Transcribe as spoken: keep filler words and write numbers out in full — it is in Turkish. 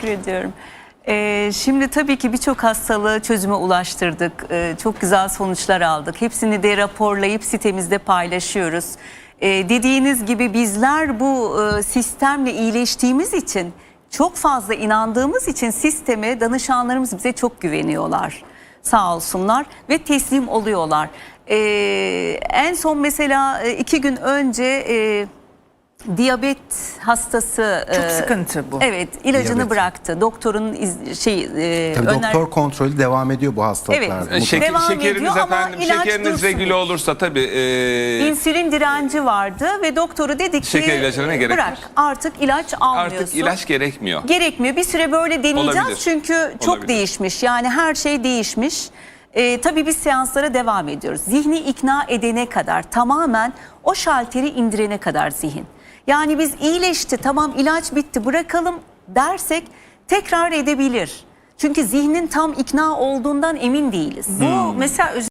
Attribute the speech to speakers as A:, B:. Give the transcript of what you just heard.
A: Teşekkür ediyorum. Ee, şimdi tabii ki birçok hastalığı çözüme ulaştırdık. Ee, çok güzel sonuçlar aldık. Hepsini de raporlayıp sitemizde paylaşıyoruz. Ee, dediğiniz gibi bizler bu e, sistemle iyileştiğimiz için, çok fazla inandığımız için sisteme danışanlarımız bize çok güveniyorlar. Sağ olsunlar ve teslim oluyorlar. Ee, en son mesela iki gün önce... E, diyabet hastası
B: Çok
A: e,
B: sıkıntı bu.
A: Evet, ilacını
C: Diyabet.
A: bıraktı. Doktorun iz, şey e,
C: Tabii
A: öner...
C: doktor kontrolü devam ediyor bu hastalıklarda.
A: Evet.
D: Şek-
A: Devam
D: şekeriniz
A: ediyor ama
D: efendim,
A: ilaç
D: şekeriniz
A: dursun.
D: regüle olursa tabii e,
A: İnsülin direnci vardı ve doktoru dedi ki
D: Şeker ilacına gerek
A: bırak
D: yok.
A: artık ilaç almıyorsun.
D: artık ilaç gerekmiyor.
A: Gerekmiyor. Bir süre böyle deneyeceğiz
D: Olabilir.
A: çünkü çok
D: Olabilir.
A: değişmiş. Yani her şey değişmiş. Ee, tabii biz seanslara devam ediyoruz. Zihni ikna edene kadar, tamamen o şalteri indirene kadar zihin. Yani biz iyileşti, tamam ilaç bitti bırakalım dersek tekrar edebilir. Çünkü zihnin tam ikna olduğundan emin değiliz.
B: Bu mesela